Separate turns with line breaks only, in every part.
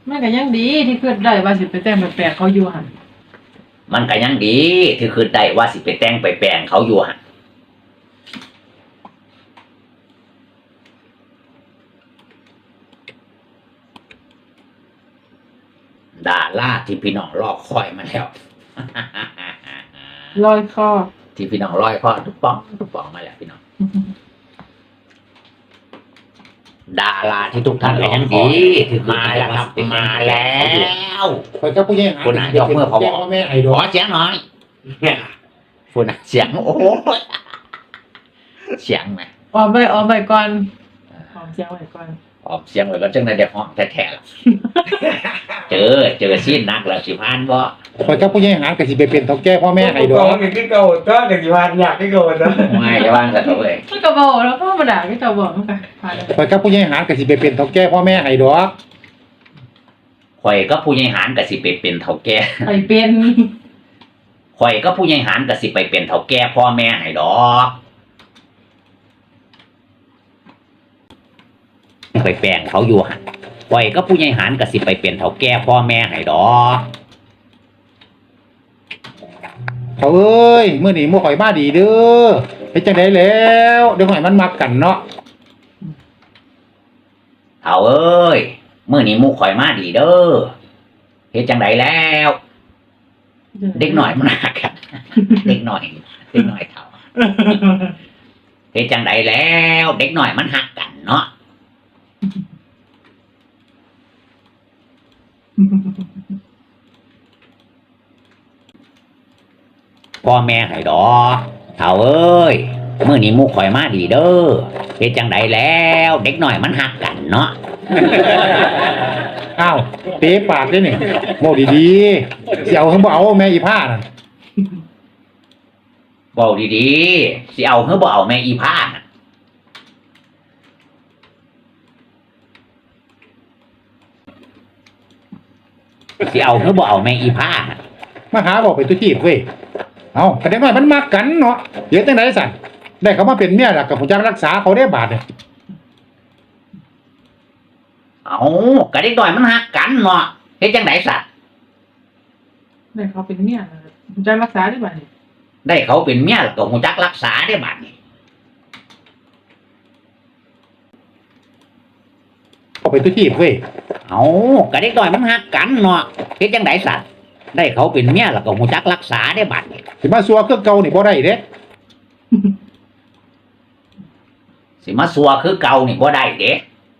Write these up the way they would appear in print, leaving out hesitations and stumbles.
มันก็ยังดีที่คิดได้ว่าสิไปแต่งแปลกๆเขาอยู่หั่น
มันก็ยังดีที่คือได้ว่าสิไปแต่งไปแปลงเขาอยู่หั่นดาราที่พี่น้องรอคอยมาแล้ว
ลอยคอ
ที่พี่น้องร้อยข้อทุกป้องมาแล้วพี่น้องดาราที่ทุกท่านรอคอยมาแล้วครับมาแล้ว
คอยเจ้าผู้ใหญ่หา
คุณอ่ะยกมือพอบอก
แม่ไอ้ด
ข
อ
อก เสียงหน่อยคุณอ่ะเสียงโอ้โหเสียงไหม
ออมไปก่อนออมเสียงไว้ก่อน
ออกเสียงเลยก็จังในเด็กห้องแท้ๆล่ะเจอซีนนักแล้วสิพานบ่
คอยเจ้าผู้ใหญ่หากะสิไปเป็นเฒ่าแก่พ่อแม่ไอ้ดอก
ก็คือเก่าก็เด็กที่บ้านอยากให้เก่านะ
ไม่จะว่างสัตว์เลย
มันก็บอกแล้วก็ธรรมดาที่เจ้าบอกมันก็ผ่านแล้ว
คอยเจ้าผู้ใหญ่หากะสิไปเป็นเฒ่าแก่พ่อแม่ไอ้ดอก
ข่อยก็ผู้ใหญ่หารก็สิไปเป็นเฒ่าแก่
ไปเป็น
ข่อยก็ผู้ใหญ่หารก็สิไปเป็นเฒ่าแก่พ่อแม่ให้ดอกไปแปลงเขาอยู่หั่นข่อยก็ผู้ใหญ่หารก็สิไปเป็นเฒ่าแก่พ่อแม่ให้ดอก
เขาเอ้ยมื้อนี้หมู่ข่อยมาดีเด้อเฮ็ดจังได๋แล้วเดี๋ยวข่อยมันมักกันเนาะ
เอาเอ้ยมื้อนี้หมู่ข่อยมาดีเด้อเฮ็ดจังไดแล้ว เด็กหน่อยมันหักกัน เด็กหน่อยเฒ่าเฮ็ดจังไดแล้ว เด็กหน่อยมันหักกันเนาะพ่อแม่ให้ดอกเฒ่าเอ้ยมื้อนี้หมู่ข่อยมาดีเด้อเฮ็ดจังไดแล้ว เด็กหน่อยมันหักกันเนาะ
อ้าวเตะปากเด้นี่เว้าดีๆสิเอาคือบ่เอาแม่อีผ้านั่น
เว้าดีๆสิเอาหรือบ่เอาแม่อีพาน่ะสิเอาหรือบ่เอาแม่อีพาน่ะ
มาหาบอกไปตุจีบเว้ยเอาแต่เด็กน้อยมันมักกันเนาะเดี๋ยวจังไดสั่นได้เขามาเป็นเมียล่ะก็ผู้จักรักษาเขาได้บาดเนี่ย
เอาก็เด็กน้อยมันหักกันเนาะเฮ็ดจังไดสัตว์
ได้เขาเป็นเมียนะครับจะรักษาได้บ่เนี่ย
ได้เขาเป็นเมียแล้วก็ฮู้จักรักษาได้บัดนี้
เอาไปตุจีบเว้ย
เอาก็เด็กน้อยมันหักกันเนาะเฮ็ดจังไดสัตว์ได้เขาเป็นเมียแล้วก็ฮู้จักรักษาได้บัดนี้
สิมาซัวคือเก่านี่บ่ได้เด้
สิมาซัวคือเก่านี่บ่ได้เด้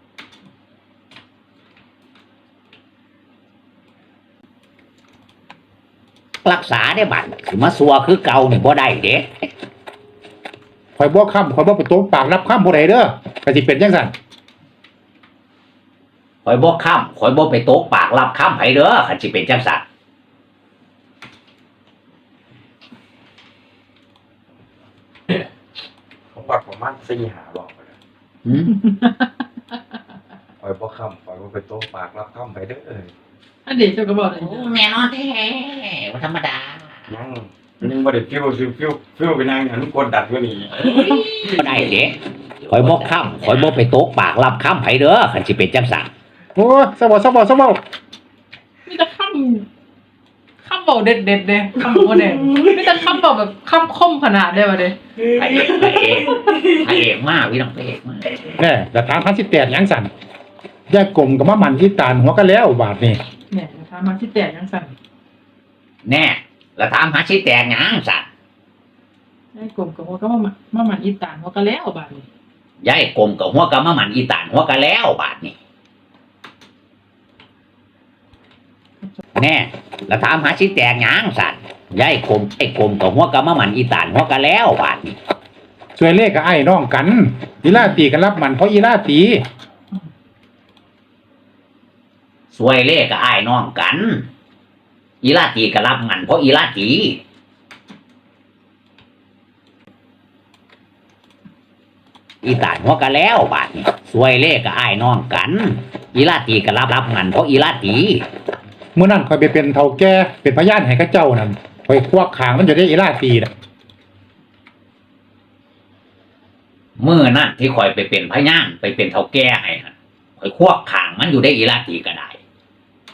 รักษาได้บัดสิมาซัวคือเก่านี่บ่ได้เด้
ข่อยบ่ค้ำข่อยบ่ไปตบปากรับค้ำผู้ใดเด้อก็สิเป็นจังซั่น
ข่อยบ่ค้ำข่อยบ่ไปตกปากรับค้ำไผเด้อคันสิเป็นจังซั่น
ผมบอกประมาณ4-5 รอบเลย
หืม
ปล่อยบ่คำปล่อยบ่ไปโต๊ะปากรับคำไปเด้อ
อันเดี๋ยวเจ้าก็บอกเลย
แม่นอนแท้บ่ธรรมดา
ยังบ่ได้ฟิวไปนั่งอย่างนั้นกดดันกว่านี้
บ่ได้เด้ข่อยบ่ค้ำข่อยบ่ไปตกปากรับค้ำไผเด้อคันสิเป็นจังซั่น
โอ้ยซะบ่
มีแต่คำบอกเด็ดเด้คำบอกเด็ดมีแต่คำบอกแบบคำคมขนาดได้ป่ะเด้
พระเอกมากพี่น้องพระเอกมาก
แน่แต่ถามพันสิแตกหยังสั่นยายกลมก็มามันที่ตานหัวกันแล้วบาดนี่
เนี่ยทำมาที่แตกยังสั่น
แน่แล้วถามหาสิแตกหยังซั่น
ไอ้กลมกับหัวก็มาหมันอีตานหัวก็แล้วบาดนี้
ยายกลมกับหัวกะมาหมันอีตานหัวกะแล้วบาดนี้แน่แล้วถามหาสิแตกหยังซั่นยายกลมไอ้กลมกับหัวกะมาหมันอีตานหัวกะแล้วบาดนี้
ช่วยเลขกับไอ้น้องกันอีลาตีกันรับมันเพราะอีลาตี
สวยเล่กับอ้ายน้องกัน อีลาตีก็รับมันเพราะอีลาตีอีตานหัวกะแล้วบาดนี้สวยเล่กับอ้ายน้องกัน อีลาตีก็รับมันเพราะอีลาตี
เมื่อนั้นข่อยไปเป็นเฒ่าแก่เป็นพยานให้กับเจ้านั่นข่อยควักขางมันจะได้อีลาตีน่ะ
มื้อนั้นที่ข่อยไปเป็นพยานไปเป็นเฒ่าแก่ให้หั่นข่อยควบข้างมันอยู่ได้อีลาตีก็ได้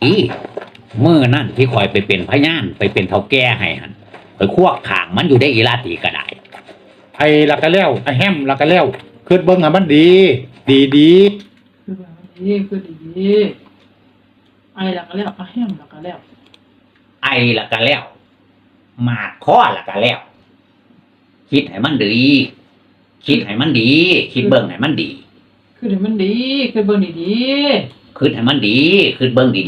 อีมื้อนั่นที่คอยไปเป็นพยานไปเป็นเฒ่าแก่ให้หั่นคอยควกข้างมันอยู่ได้อีลาตีก็ได้
ไอ้ละก็แล้วไอ้แฮมละก็แล้วคิดเบิ่งให้มันดี ดี
คือแบบนี้คือดีไอ้ละก็แล้วแฮมละก็แล้ว
ไอละก็แล้วหมาดข้อละก็แล้วคิดให้มันดีคิดให้มันดี คิดเบิ่งให้มันดี
คือเดี๋ยวมันดีคือเบิ่งดี
คิดให้มันดีคิดเบิ่งดี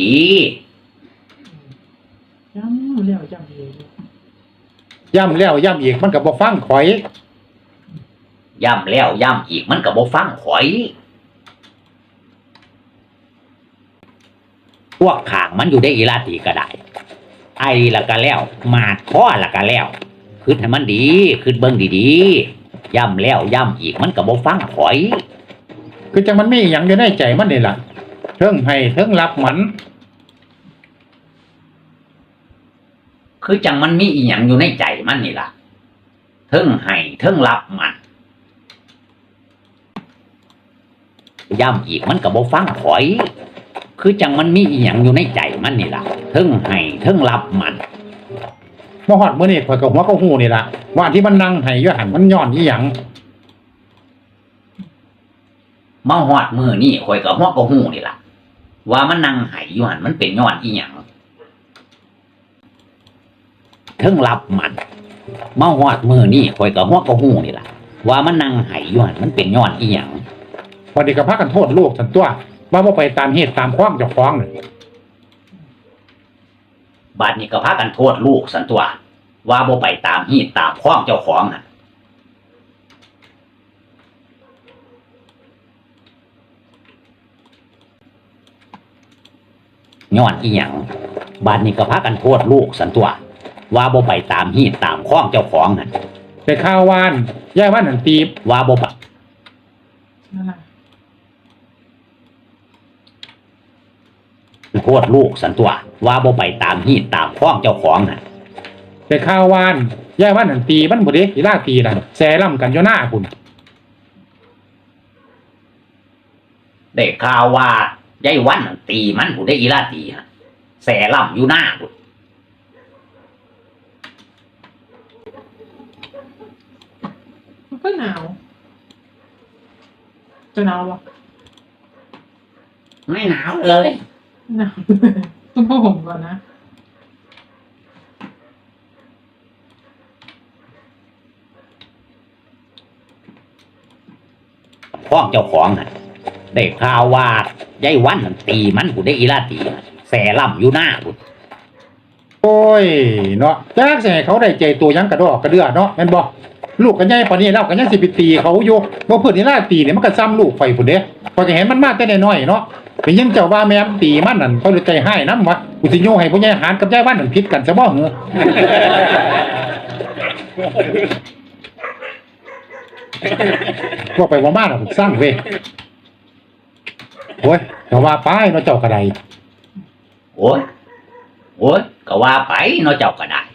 ๆย้ำแล้วย้ำอีก
ๆย่ำแล้วย่ำอีกมันก็บ่ฟังข่อย
ๆย้ำแล้วย้ำอีกมันก็บ่ฟังข่อยพวกข้างมันอยู่ได้อีลาตีก็ได้ไอละก็แล้วหมาดข้อละก็แล้วคิดให้มันดีคิดเบิ่งดีๆย้ำแล้วย้ำอีกมันก็บ่ฟังข่อย
คือจังมันมีหยังอยู่ในใจมันนี่ล่ะเทิงให้เทิงรับมัน
คือจังมันมีอีหยังอยู่ในใจมันนี่ล่ะเทิงให้เทิงรับมันย้ำอีกมันก็บ่ฟังข่อย คือจังมันมีอีหยังอยู่ในใจมันนี่ล่ะเทิงให้เทิงรับมัน
มาฮอดมื้อนี้ข่อยก็หัวก็ฮู้นี่ล่ะว่าที่มันนั่งให้อยู่หั่นมันย้อนอีหยัง
มาฮอดมื้อนี้ข่อยก็ฮู้ก็ฮู้นี่ล่ะว่ามันนั่งไห้อยู่หั่นมันเป็นย้อนอีหยังเทิงรับมันมาฮอดมื้อนี้ข่อยก็ฮู้ก็ฮู้นี่ล่ะว่ามันนั่งไห้อยู่หั่นมันเป็นย้อนอีหยัง
พอดีก็พากันโทษลูกซั่นตัวว่าบ่ไปตามเหตุตามความเจ้าของน่ะ
บัดนี้ก็พากันโทษลูกสันตัวว่าบ่ไปตามฮีตตามข้องเจ้าของน่ะย้อนอีหยังบัดนี้ก็พากันโทษลูกสันตัวว่าบ่ไปตามฮีตตามข้องเจ้าของน่ะ
ไปข่าววานยายว่านนั่นตีบ
ว่าบ่ไป
นั่นน่ะ
โทษลูกสันตัวว่าบ่ไปตามฮีตตามข้องเจ้าของน่ะ
ไปข่าววานยายว่านนั่นตีมันบ่เด้อีลาตีนั่นแซ่ล่ำกันอยู่หน้าคุณ
ได้ข่าวว่ายายวันนั่นตีมันผู้ได้อีลาตีฮะแสล่ำอยู่หน้าพุ่น
มันก็หนาวจะหนาวปะ
ไม่หนาวเลย
หนาว ต้องผ้าห่มก่อนนะ
ข้องเจ้าของน่ะได้ข่าวว่ายายวันนั่นตีมันผู้ได้อีลาตีฮะแสล่ำอยู่หน้าพุ่น
โอ้ยเนาะจักสิให้เขาได้ใจตัวหยังกระดอกกระเดือเนาะแม่นบ่ลูกกันใหญ่ปานนี้แล้วก็ยังสิไปตีเขาอยู่บ่เพิ่นอีลาตีเนี่ยมันก็ซ้ำลูกไฟพุ่นเด้พอจะเห็นมันมาแต่น้อยๆเนาะเป็นยังเจ้าว่าแม่ตีมันนั่นเขาเลยใจให้นำวะกูสิโยให้ผู้ใหญ่หารกับยายว่านนั่นผิดกันซะบ่เหรอ พวกไปว่ามาน่ะผมสร้างเว้ยโอ้ยแต่ว่าไปเนาะเจ้ากระได
โอ้ยก็ว่าไปเนาะเจ้าก็ได้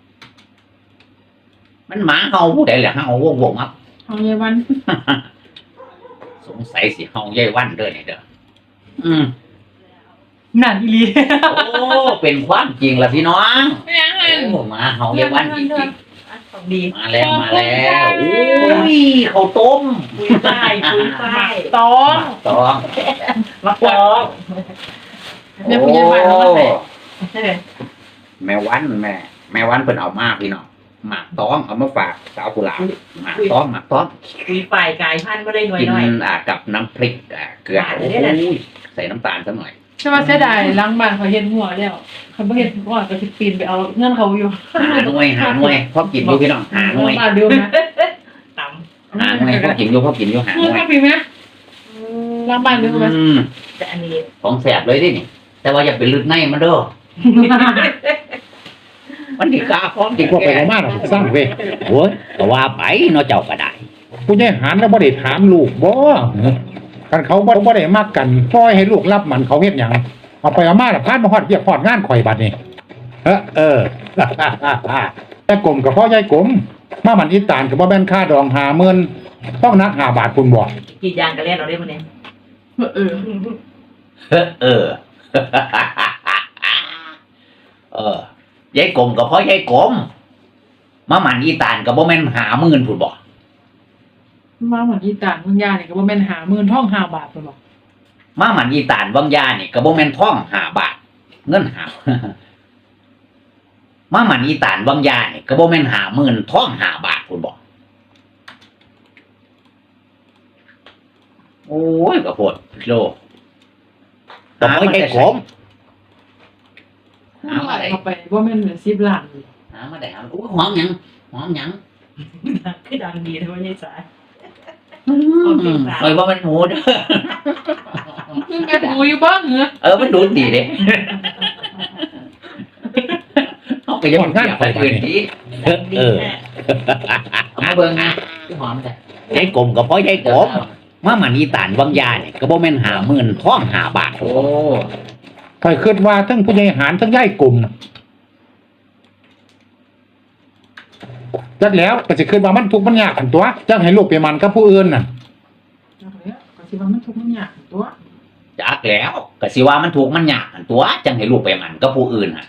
มันหมาเฮาผู้ใดแหละเฮาวงๆครับ
เอาเยาวัน
สงสัยสิเฮายายวันเด้อนี่เด้ออืม
นั่นอีหลี
โอ้เป็นความจริงล่ะพี่น้อง
ไม่ยังไง
โอ้หมาเฮายายวันจริง
ของดี
ๆมาแล้วโอ้ยข้าวต้ม
คุยป้ายคุยป้าย
ตอง
ตอง
มาฟ้อง
แม่ผู้ใหญ่บ้านเขาก็ใส่
แม่วันแม่วันเพิ่นเอามาพี่น้องหมากตองเอามาฝากสาวกุหลาบหมากตอง
คุยฝ่ายกายพันธุ์ไม่ได้หน่อย
กิน
หน่อย
กับน้ำพริกเกลือ
หวาน
โอ้
เลยเนี่ย
ยใส่น้ำตาลซะหน่อย
ใช่ไหมเสียดายล้างบ้านเขาเห็นหัวแล้วเขาไม่เห็นหัวก็สิปีนไปเอาเงื่อนเขาอยู่
หาหน่วยพอกินอยู่พี่น้องหาหน่วย
มาดูนะ
ต่
หาหน่วยพอกินอยู่หาห
เงื่
น่
อน
วย
เขาปีไหม
ำ
ล้างบ้านดูไหม
แต่อันนี้
ของแสบเลยดินี่แต่ว่าอย่าไปลึกในมันเด้อมันดีกาพร้อมดี
พวกไปว่ามาน่ะผมสร้างเว้ย
โอ้ยก็ว่าไปเนาะเจ้าก็ได้
ผู้ใหญ่หารแล้วบ่ได้ถามลูกบ่กันเขาบ่ได้มักกันปล่อยให้ลูกรับมันเขาเฮ็ดหยังเอาไปเอามาน่ะพานมาฮอดเรียกฮอดงานข่อยบัดนี้เออ แต่กลมกับพ่อยายกลมมามันอีตานก็บ่แม่นค่าดอง50,000ต้องนัก5บาทคุณบ่
กี่ยางกันเล่นเราได้มั้ยเนี่ย
เออ
เออยายกลมก็เพราะยายกลมมาหมันอีตานก็บ่แม่น50,000พุ่นบ่
มาเหมือนอีตานมึงยาเนี่ยก็บ่แม่น50,000ท่อง5 บาทเพิ่นบอก
มาหมันอีตานวังยานี่ก็บ่แม่นทอง5 บาท เงินหา มาหมันอีตานวังยานี่ก็บ่แม่น50,000ทอง5 บาทพุ่นบ่โอ้ยก็โพดโลก็เพราะยายกลม หามาได้
เข้าไปบ่แม่นเหมือน10 ล้านเลย
หามาได้หาโอ้ยหอมหยัง
คือดังดีนะวันนี้สาย
เอ้ยว่ามันหมูเด้อ
มึงแม่นหูอยู่บ้างเหรอ
มันดูดดีเด้เอาไปยังเกี่ยวไปอื่นดี
ดังดีแน่
เอามาเบิ่งนะหอมแต่ยายกลมก็เพราะยายกลมมาหมันอีตานวังยานี่ก็บ่แม่น50,000ทอง5 บาท
โอ้
คอยคิดว่าทั้งผู้ใหญ่หารทั้งย่ายกลุ่มจักแล้วก็สิคิดว่ามันทุกข์มันยากกันตัวจักให้ลูกไปมันกับผู้อื่นน่ะ
จักแล้วก็สิว่ามันทุกข์มันยากตัว
จักแล้วก็สิว่ามันถูกมันยากอันตัวจังให้ลูกไปหมันกับผู้อื่นน่ะ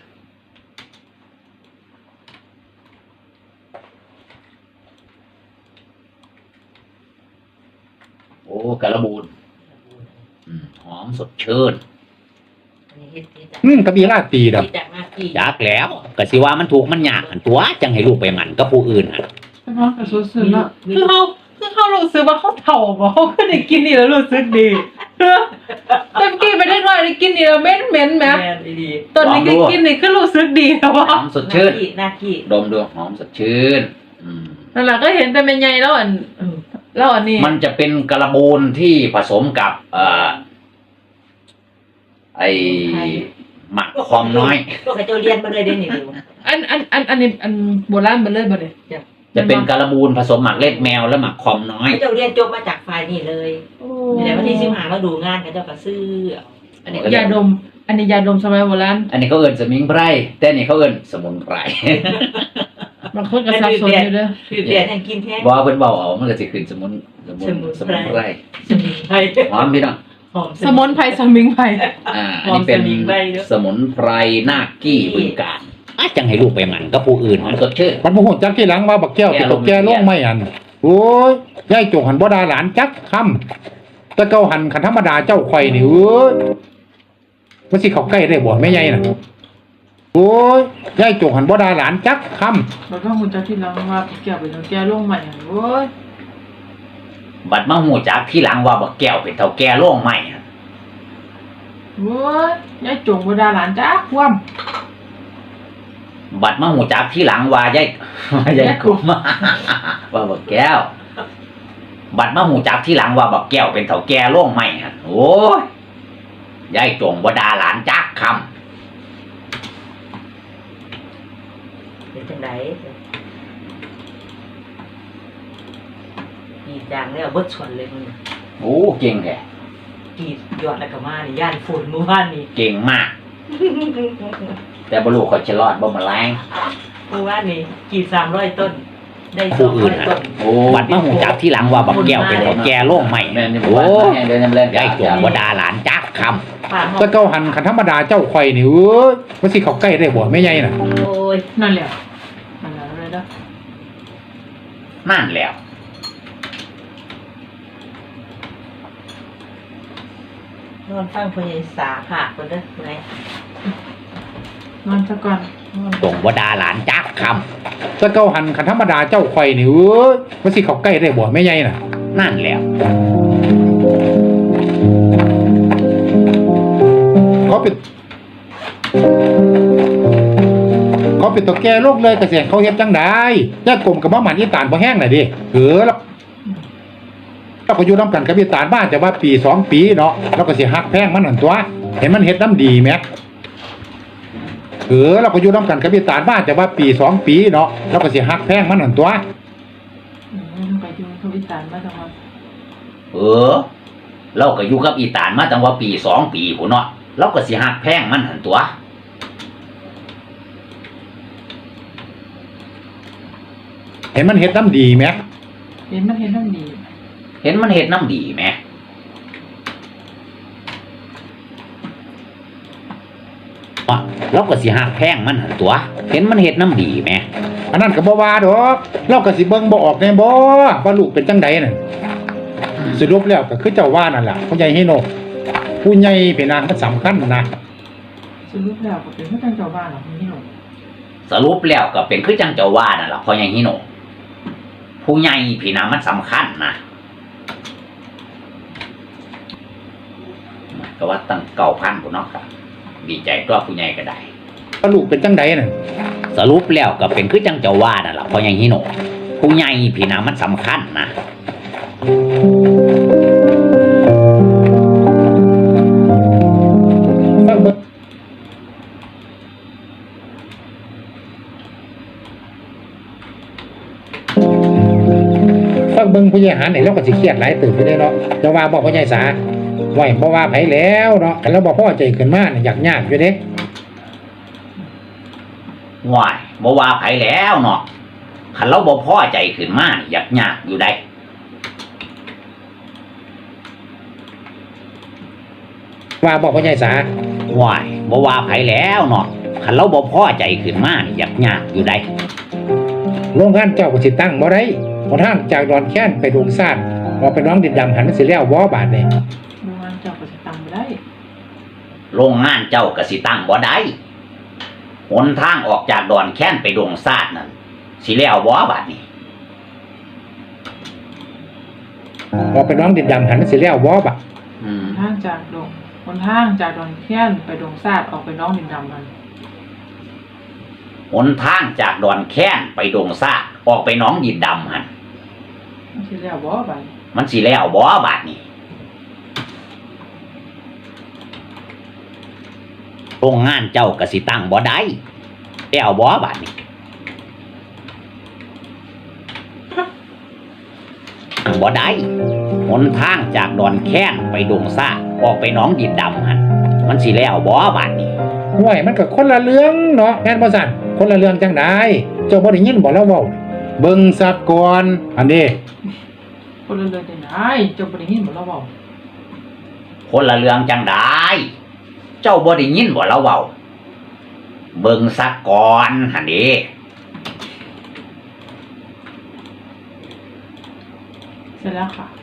โอ้กระบูนหอมสดชื่น
อันนี้เฮ็ดที่จาก
กระบี่ราตีดอก
ที่จากหน้าที่
จักแล้วก็สิว่ามันถูกมันยากอันตัวจังให้ลูกไปหมันกับผู้อื่นน่ะ
แต่ว่าก็รู้สึกว่าคือเขารู้สึกว่าเขาเฒ่าบ่เขาก็ได้กินนี่แล้วรู้สึกดีแต่กินไปได้หน่อยได้กินนี่แล้วเหม็นแหม
แม่นดี
ตอนนี้ก็กินนี่คือรู้สึกดีแล้ว
ห
ว่า
อมสดชื่น
หน้าที่
ดมดูหอมสดชื่น
นั่นแหละก็เห็นแต่แม่ใหญ่แล้วอันแล้วอันนี้
มันจะเป็นกระบูนที่ผสมกับไอหมักความน้อย
พวกเขาเจ้าเรียนมาเลยเด้นี่ดู
อันนี้อันโบราณเบ่เลยบ่เนี่ย
จะเป็นกระบูนผสมหมักเล็ดแมวและหมักความน้อย
เขาเจ้าเรียนจบมาจากฝ่ายนี่เลยในวันที่15มาดูงานเขาเจ้าก็ซื้อ
อันนี้ก็
ยาดม อันนี้ยาดมสมัยโบราณ
อันนี้เขาเอิ้นสมิงไพรแต่อันนี้เขาเอิ้นสมุนไพร
บางคนก็สับสนอยู่เด้อ
คือเรียนแห่งกินแท้
ว่าเพิ่นเว้าเอามันก็สิขึ้นสมุนไพร
สมิงไพร
หอมพี่น้อง
หอม
สมุนไพรสมิงไพร
อันนี้เป็นสมุนไพรนาคกี้บึงกาฬจังให้ลูกไปหมันกับผู้อื่นมันสดชื่น
มันบ่ฮู้จักที่หลังว่าบักแก้วเป็นตกแก้ลงไม่อันโอ้ยย่ายโจกหันบ่ด่าหลานจักคำแต่เก่าหันคันธรรมดาเจ้าข่อยนี่เอ้ยมันสิเข้าใกล้ได้บ่แม่ใหญ่น่ะโอ้ยย่ายโจกหันบ่ด่าหลานจักคำ
แล้วก็มุนจะที่หลังว่าแก้วเป็นแก้วลงใหม่โอ้ย
บัดมาหูจักที่หลังว่าบักแก้วเป็นเท่าแก่โล่งใหม่
โอ้ยยายจงบ่ด่าหลานจ้าคว่ำ
บัดมาหูจักที่หลังว่ายายกลุ่ม ว่าบักแก้ว บัดมาหูจักที่หลังว่าบักแก้วเป็นเท่าแก่โล่งใหม่ฮะโอ้ยยายจงบ่ด่าหลานจักค
เป็นจังไดกีดดังแล้วเบิดชวนเลยมึง
ำโอ้เก่งแท้
กีดยอดแล้วก็มานี่ย่านฝนเมื่อวานนี่
เก่งมาก แต่บ่รู้เขาจะรอดบ่มาแรง
เมื่อวานนี่กีด300 ต้น ได้
ผู้อื่น
200 ต้น
บัดมาหูจักที่หลังว่าบักแก้วเป็นเท่าแก่โล่งใหม่โอ้ยยายจงบ่ด่าหลานจักคำ
ป่าหอ
แต่
ม
เก่าหันคันธรรมดาเจ้าข่อยนี่เอ้ยมันสิเข้าใกล้ได้บ่แม่ใหญ่น่ะ
โอ้ย
นั่นแหละนั่นแหละเลยเด้อ
นั่นแล้ว
นอนฟังพญายสาผากคนเด้อไหน
นอนซะก่อนนอน
จงบ่ด่าหลานจักค
แต่เก่าหันคันธรรมดาเจ้าข่อยนี่เอ้ยมันสิเข้าใกล้ได้บ่แม่ใหญ่น่ะ
ำนั่นแล้ว
เขาเป็นตัวแก่โลกเลยเกษตรเขาเฮ็ดจังได๋ย่ากลมกับบ่หมันอีตานบ่แห้งน่ะดิแล้วเราก็อยู่นํกันกับอีตานมาแต่ว่าปี2ปีเนาะเราก็สิฮักแพงมันนั่นตัวเห็นมันเฮ็ดน้ำดีแหมเราก็อยู่นํกันกับอีตานมาแต่ว่าปี2ปีเนาะเราก็สิฮักแพงมันนั่นตัว
ไปอยู่ทุกอีสานมาจังหวัด
เราก็อยู่กับอีตานมาตั้งว่าปี2 ปีพุ่นเนาะเราก็สิฮักแพงมันหั่นตัว
เห็นมันเฮ็ดน้ำดีแหม
เห็นมันเห็นน้ำดี
เห็นมันเฮ็ดน้ำดีแหมอ่ะเราก็สิหักแพงมันหั่นตัว เห็นมันเฮ็ดน้ำดีแหม
อันนั้นก็บ่ว่าดอกเราก็สิเบิ่งบ่ออกแน่บ่ว่าลูกเป็นจังใดนั่นสรุปแล้วก็คือเจ้าว่านั่นล่ะผู้ใหญ่ฮิโนผู้ใหญ่เป็นนางมันสำคัญนะ
สรุปแล้วก็เป็นผู้จังเจ้าบ้านหรอพี่หนุ่ม
สรุปแล้วก็เป็นคือจังเจ้าว่านั่นล่ะพ่อใหญ่ฮิโนผู้ใหญ่พี่น้ามันสำคัญนะก็ว่าตั้ง9,000พุ่นเนาะครับดีใจตัวผู้ใหญ่ก็ได้
ว่าลูกเป็นจังใดนั่น
สรุปแล้วก็เป็นคือจังเจ้าว่านั่นล่ะพ่อใหญ่ฮิโนผู้ใหญ่พี่น้ามันสำคัญนะ
ฟังเบิ่งผู้ใหญ่หารนี่เราก็สิเครียดหลายตื่นไปได้เนาะจะว่าบอกผู้ใหญ่สาไหวบ่ว่าไผแล้วเนาะคันเราบ่พอใจขึ้นมาเนี่ยยากอยู่เด้
ว้ายบ่ว่าไผแล้วเนาะคันเราบ่พอใจขึ้นมานี่ยากอยู่ได้
ว่าบอกผู้ใหญ่สา
ว้ายบ่ว่าไผแล้วเนาะคันเราบ่พอใจขึ้นมานี่ยากอยู่ได้
โรงงานเจ้าก็สิตั้งบ่ได้หนทางจากดอนแค้นไปดงซ่านออกไปน้องดินดำหันมันสิแล้วบ่บาดนี่
โรงงานเจ้าก็จะตังไม่ได้
โรงงานเจ้าก็สิตั้งบ่ได้หนทางออกจากดอนแค้นไปดงซาดนั่นสิแล้วบ่บาดนี้
ออกไปน้องดินดำหันมันสิแล้วบ่บาด
ทางจากดงคนทางจากดอนแค้นไปดงซาดออกไปน้องดินดำมัน
หนทางจากดอนแค้นไปดงซาดออกไปหนองดินดำหั่น
ไม่ใช่แล้วบ่ไป
มันสิแล้วบ่บาดนี้โรงงานเจ้าก็สิตั้งบ่ได้แล้วบ่บาดนี้บ่ได้หนทางจากดอนแค้นไปดงซาดออกไปหนองดินดำหั่นมันสิแล้วบ่บาดนี้
ห่วยมันก็คนละเรื่องเนาะแม่นบ่ซั่นคนละเรื่องจังได๋เจ้าบ่ได้ยินบ่เราเว้าเบิ่งซับก่อนอันนี้
คนละเรื่องจังได๋เจ้าบ่ได้ยินบ่เราเว้า
คนละเรื่องจังได้เจ้าบ่ได้ยินบ่เราเว้าเบิ่งซะก่อนหั่นเด้
เสร็จแล้วค่ะ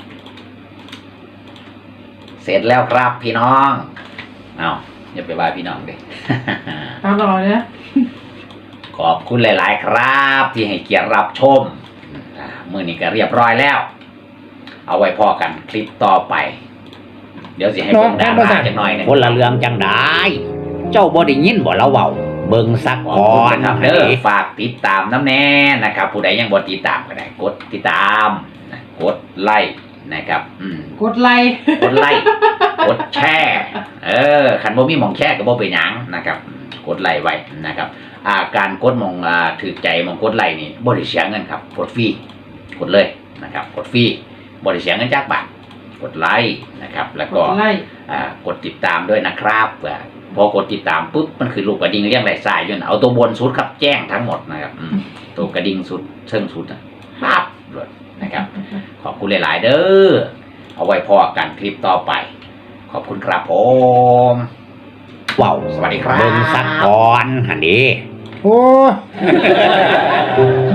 เสร็จแล้วครับพี่น้องเอาอย่าไปว่าพี่น้องเด้
ตามรอเนี่ย
ขอบคุณหลาย ๆ ครับ ที่ให้เกียรติรับชมมื้อนี้ก็เรียบร้อยแล้ว เอาไว้พอกันคลิปต่อไป เดี๋ยวสิให้เบิ่งดาราจักหน่อยหนึงคนละเรื่องจังได้เจ้าบ่ได้ยินบ่เราเว้าเบิ่งสักก่อนครับเด้อฝากติดตามน้ำแน่นะครับ ผู้ใดยังบ่ติดตามก็ได้กดติดตามกดไลค์นะครับ
กดไลค์
กดไลค์กดแชร์คันบ่มีหม่องแชร์ก็บ่เป็นหยังนะครับกดไลค์ไว้นะครับการกดหม่องถูกใจหม่องกดไลค์นี่บ่ได้เสียเงินครับกดฟรีกดเลยนะครับกดฟรีบ่ได้เสียเงินจักบาทกดไลค์นะครับแล้วก็กดติดตามด้วยนะครับพอกดติดตามปุ๊บมันคือลูกกระดิ่งเรียงรายสายอยู่นะเอาตัวบนสุดครับแจ้งทั้งหมดนะครับตัวกระดิ่งสุดเชิงสุดปั๊บเลยนะครับขอบคุณหลายๆเด้อเอาไว้พอกันคลิปต่อไปขอบคุณครับผมว้าวสวัสดีครับเบิ่งสักก่อนหันดี
โอ้